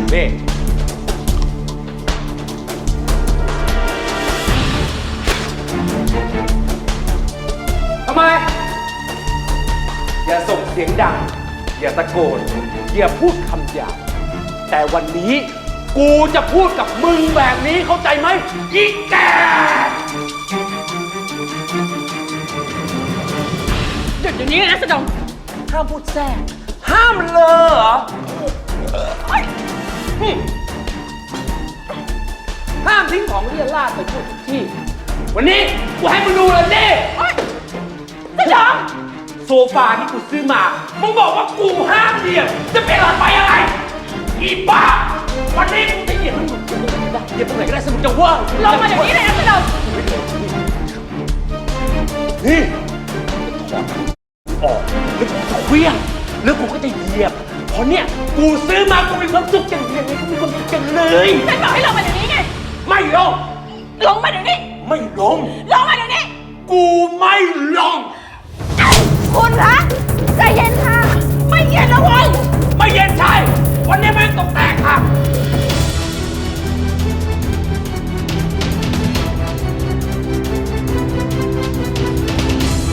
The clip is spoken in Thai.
นี่ทำไมอย่าส่งเสียงดังอย่าตะโกนอย่าพูดคำหยาบแต่วันนี้กูจะพูดกับมึงแบบนี้เข้าใจไหมอีแกหยุดอย่างนี้นะสะดงห้ามพูดแทรกห้ามเลยเหรอห้ามทิ้งของเรี่ยราดไปทั่วทุกที่วันนี้กูให้มึงดูเลยดิสะดงโซฟาที่กูซื้อมามึงบอกว่ากูห้ามเหยียบจะเป็นอะไรอะไรอีบ้าวันนี้กูจะเหยียบมึงเหยียบตรงไหนก็ได้สมุดจะว่าลงมาเดี๋ยวนี้เลยนะสะดงนี่ถอดออกแล้วกูจะเคลี้ยงแล้วกูก็จะเหยียบเพราะเนี่ยกูซื้อมากูมีความสุขอย่างเดียวกูมีความสุขจังเลยฉันบอกให้ลงมาเดี๋ยวนี้ไงไม่ลงลงมาเดี๋ยวนี้ไม่ลงลงมาเดี๋ยวนี้กูไม่ลงคุณคะ